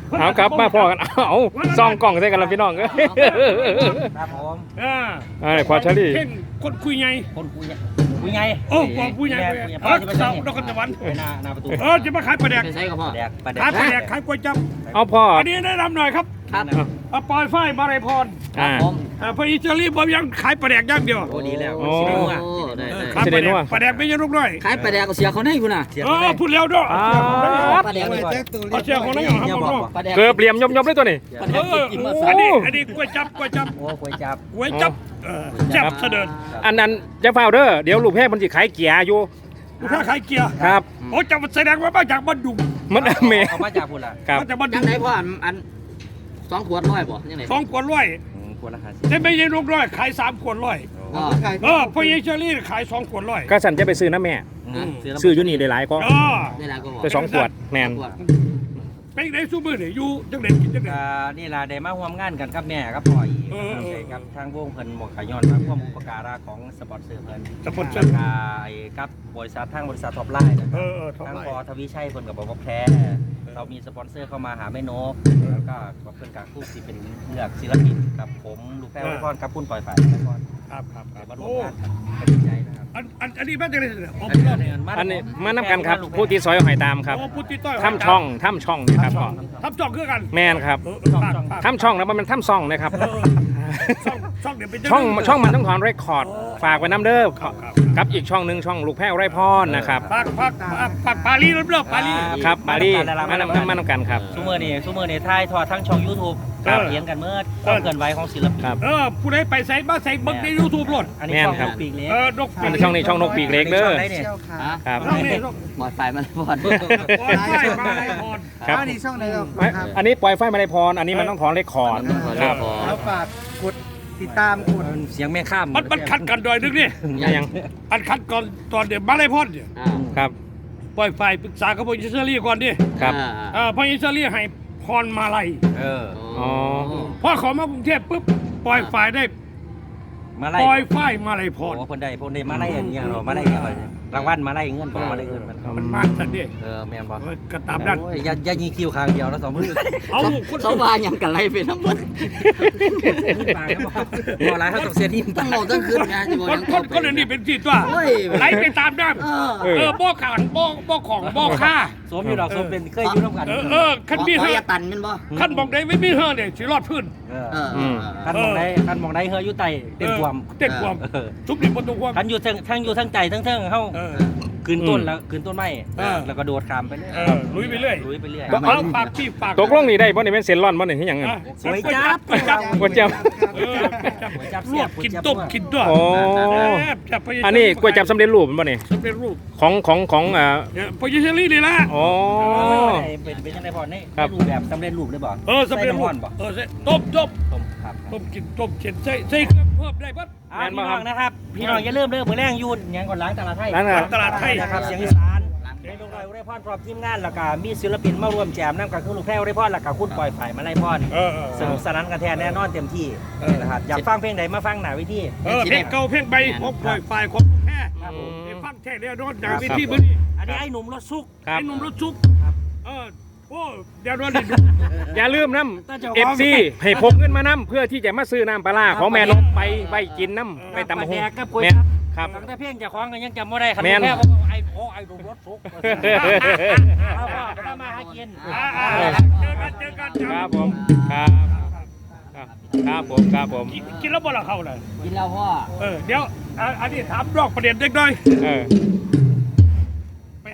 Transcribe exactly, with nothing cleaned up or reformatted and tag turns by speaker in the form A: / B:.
A: เอาครับมาพ่อกันเอาซองกล่องใส่กันแล้วพี่น้องเอ้ย
B: ครับผม
C: อ่า
A: อ่าพอเชอรี่
C: เข่งคนคุยไง
B: คนคุยเนี่ยคุยไง
C: โอ้บอกคุยไง
B: แม่
C: เอ
B: คุยไง
C: อเสาดอกกันตะวัน
B: ไปหน้าหน้าประตู
C: เออจะมาขายปลาแดก
D: ใช้กับพ่อ
B: แดกปลาแด
C: ขาย
B: ก
C: ปลาแดกขายก๋วยจั๊บ
A: เอาพ่อ
C: อันนี้แนะนำหน่อยครับ
D: ครับ
C: อ่ะปอยฝ้ายมาลัยพร
A: อ่า
D: ผม
C: อ่าพออีเจอรี่ผมยังขายปลาแดกอย่างเดียว
B: โอ้ดีแล้ว
A: โอ้
B: สิได้รู้
D: โอ้
B: อ่ะ
D: ได้ได้
C: ขาย
A: สิ
C: ป
A: ได้
C: ลาแด
A: นั
C: ก
A: ว
C: ปลาแดกไม่ใช่ลูกน้อย
D: ขายปลาแดกก็เสียเขาได้คุณน่ะ
B: เสีย
C: เออพูดแล้วด้วย
A: อ่า
D: ปลาแดก
C: เอาเชียร์ของนั่นเหรอครับผม
D: ปลาแดก
A: เกือบเหลี่ยมยมๆเลยตัวนี้
D: ปลาแด
C: เอก อ
D: กินมา
C: อันนี้อันนี้ก๋วยจั๊บก๋วยจั๊บ
B: โอ้คุยจับ
C: ก๋วยจั๊บเออจับเสด็จ
A: อันนั้นจะเฝ้าเด้อเดี๋ยวลูกแพร่มันสิขายเกียร์อยู่
C: ลูกค้าขายเกียร์
A: ครับ
C: โอ้จับแสดงว่ามาจากบ้านดุง
A: มันเม
B: เอามาจากพุ่นล่ะ
A: ครับ
C: มาจากบ้าน
D: ยั
C: ดุ
D: ง
C: ง
D: ไงพ่ออันอันสองขวดร้อยบ่ยังไง
C: สองขวดร้อย
B: อืมควรราคาสิ
C: แต่ไม่ใช่ลูกร้อยขายสามขวดร้อย
D: ก็
C: เออพออีเจอรี่ขายสองขวดร้อย
A: ก็สันจะไปซื้อนะแม่
B: อืมแล้ว
A: ซื้ออยู่นี่ได้หลายก็
C: เออ
D: ได้แล้วก็บอก
A: ไปสองขวดแมน
D: ขวด
C: เป็นไงสู้มือเนี่ยอยู่จังเด็ดกินจังเด็ด
B: อ่านี่ล่ะได้มาร่วมงานกันกับแม่ครับพ่ออีก
C: เออเออ
B: กับทางวงเพิ่นบอกขย้อนมาความอุปการะของสปอนเซอร์เพิ่น
C: สปอนเซอร์
B: อ่าไอ้กับบริษัททางบริษัทท็อปไลน์นะค
C: เอ
B: รับ
C: อเออท็อป
B: ทาง
C: ไล
B: พอ
C: น์
B: ทวีชัยเพิ่นก็บอกว่าแพ้เรามีสปอนเซอร์เข้ามาหาแม่นกแล้วก็เพิ่นกับคู่สิเป็นเลือกศิลปินกับผมลูกแพ้วพรกับคุณปล่อยฝ่ายแล้วก็
C: ครับครับค
B: เดี๋
C: รั
B: ย
C: บ
B: วมาร่ว
C: โอ้
B: มงานกันก็ดีใจนะครับ
C: อันอันอันนี้แม่จังเด็ดเนี่ยโอ้
B: อัน
C: โห
B: นี้
A: อันนี้มานำกันครับผู้ที่ซอยหอยตามครับ
C: โอ้พุทธิต้อย
A: ถ้ำช่องถ้ำช่องนะครับพ่อ
C: ทับจ่องคือกัน
A: แมนครับ
C: เออเออฝากฝาก
A: ถ้ำช่องนะมันเป็นถ้ำช่องนะครับ
C: เออช่องช่องเดี๋ยวเป็น
A: ช่องช่องมันต้องถอนเรคคอร์ด
C: อ๋อ
A: ฝากไว้น้ำเด้อ
C: ครับครับ
A: กับอีกช่องหนึ่งช่องลูกแพ้วไร่พรนะครับ
C: ฝากฝากฝากฝากปารีสเริ่มปารีส
A: ครับมาดีมานำมานำกันครับ
B: ซูเมอร์นี่ซูเมอร์นี่ถ่ายทอดทั้งช่อง YouTube
C: ครับ
B: เลี้ยงกันเมื่อความเคลื่อนไหวของศิลปิน
A: ครับ
C: เออผู้ใดไปใส่มาใส่เบิ้งในยูทูบหล่น
B: อันนี้
A: แม่น
B: ช่อง
A: ครับ
B: ปีกเล็ก
C: เออนก
A: อันนี้ช่องนี้ช่องนกปีกเล็กเด้อ
B: ช่องไหนนี่
D: ฮะ
A: ครับ
C: ช่องนี้ช่อง
D: หมดไฟมาเลยพ่อ
C: ปอยไฟมาลัยพร
A: ครับ
E: อันนี้ช่องไหนครับ
A: ไม่อันนี้ปล่อยไฟมาได้พรอันนี้มันต้องถอนเรคคอร์ดครับ
E: แล้วฝากกดติดตามกด
B: เสียงแม่ข้าม
C: มันมันคัดกันดอยนึงนี่
A: ยัง
C: อันคัดก่อนตอนเดี๋ยวมาลัยพรเนี่ย
D: อ่า
A: ครับ
C: ปล่อยไฟปรึกษากับพออิสราเอลก่อนดิ
A: ครับ
D: อ่า
C: เออพออิสราเอลให้พรมาลัย
B: เออ
A: อ๋อ
C: พอเขอมากรุงเทพปุ๊บปล่อยไฟได้
B: มาไล่
C: ปล่อยไฟมาลัยพ
B: โอ้
C: ร
B: คนใดคนใดมาไล่อย่างเงี้ยเนาะมาไล่อย่างเงี้ยรางวัลมาไล่เงินบอกมาไล่เงินมัน
C: มันมากสันดิ
B: เออแม่นบอก
C: เออก็ตามนั้น
B: โอ้ยอย่าอย่ายิงคิวข้างเดียวแล้วสองมือ
C: เอาคน
D: เขาว่ายังกันไรไปทั้งหมด
B: ปากบอกบอกอะไรเขาต้องเสียทีม
D: ตั้งโมตั้งคืนไงจะบอก
C: คน
D: ยัง
C: คนคนอันนี้เป็นที่ตัว
D: โอ้ย
C: ไหลไปตามน้
D: เออ
C: ำเออบ่อขันบ่อบ่อของบ่อฆ่า
B: สวมอยู่ดอกสวมเป็นเคยอยู่ร่วมกัน
C: เออเออขั้นมี
D: ขอ
C: เฮือ
D: อย่าตันแมันบ่
C: ขั้นบอกได้ไม่มีเฮือเนี่ยสิรอดพื้น
B: เออ
D: เออ
A: อืม
B: คันมองได้คันมองได้เฮยอยู่ไตเต็มความ
C: เต็มความ
B: เออ
C: ทุบดิบประตูความ
B: คันอยู่ทั้งทั้งอยู่ทั้งใจทั้งเทิงเฮา
C: เออ
B: คืนต้นแล้วคืนต้นไม้
C: เออ
B: แล้วก็โดดข้ามไปเรื่อย
C: เออลุยไปเรื่อย
B: ลุยไปเรื่อย
C: เอาฝากพี่ฝาก
A: ตกลงนี่ได้บ่นี่เป็นเซนลอนบ่นี่ที่หยังไง
C: อ่ะ
B: สวยจับ
C: สวยจับ
A: ก๋วยจั๊บ
C: เออลวกกินต้มกินด้วย
A: โอ้
C: แซ่บจับไป
A: อันนี้ก๋วยจั๊บสำเร็จรูปมันบ่นี่
C: สำเร็จรูป
A: ของของของอ่า
C: เนี่ยพอยิเชอรี่นี่ละ
A: อ๋อ
B: เป็นเป็นยังไงพอนี่
A: ครับ
B: รูปแบบสำเร็จรูปเลยบ่
C: เออสำเร็จรูป
B: ใส่น้ำมันบ่
C: เออใส่ต้มต้ม
B: ต้มครับ
C: ต้มกินต้มเข็นใส่ใส่เครื่องเพิ่มได้ปั๊บ
B: อ่าพี่น้องนะครับ พี่น้องอย่าลืมเด้อมื้อแรงยูนยังก่อนล้างตลาดไทย
A: นั่นน่ะ
C: ตลาดไทย
B: นะครับเสียงอีสานเสียงดงดอยอุไรพรพร้อมทีมงานแล้วก็มีศิลปินมาร่วมแจมนำกับคือลูกแพรวอุไรพรแล้วก็คุณปล่อยฝ่ายมาไล่พร
C: เออเออ
B: สนุกสนานกันแท้แน่นอนเต็มที่
C: เออ
B: นะครับอยากฟังเพลงไหนมาฟังหน้าเวิธี
C: เออเพลงเก่าเพลงใบของปล่อยฝ่ายของแค่
B: ครับผม
C: ไอ้ฟังแท้เนี่ยโดนด่าวิธีมื้อนี้
B: อันนี้ไอ้หนุ่มรถซุก
A: ครับ
C: ไอ้หนุ่มรถชุก
B: ครับ
C: เออโอ้เดี๋ยวโดนได้ดู
A: อย่าลืมน้
C: น่าจะ
A: ำ
C: ว่า
A: เอฟซีให้พกเงินมาน้ำเพื่อที่จะมาซื้อน้ำปลาร้าของแม่นกไปไปกินน้ำไปตำ
B: ป
A: บั
B: ลาก
A: ห
B: แด
A: ง
B: กกับกล้วย
A: แม่น
B: จั๊บ
A: ครับ
B: ตั้งแต่เพลงจะคล้องกันยังจำไม่ได้ครับ
A: แม่น
B: แค่บอกว่าไอ้โอ้ไอ้หนุ่มรถซุกเอาพ่อไปมาหากิน
C: อ่าอ่าเจอกันเจอกัน
A: ครับผมครับครับครับผมครับผม
C: กินกินแล้วบ่ละเข้าเลย
D: กินแล้วพ่อ
C: เออเดี๋ยวอ่ะอันนี้ถามนอกประเด็นเล็กน้อย
A: เออ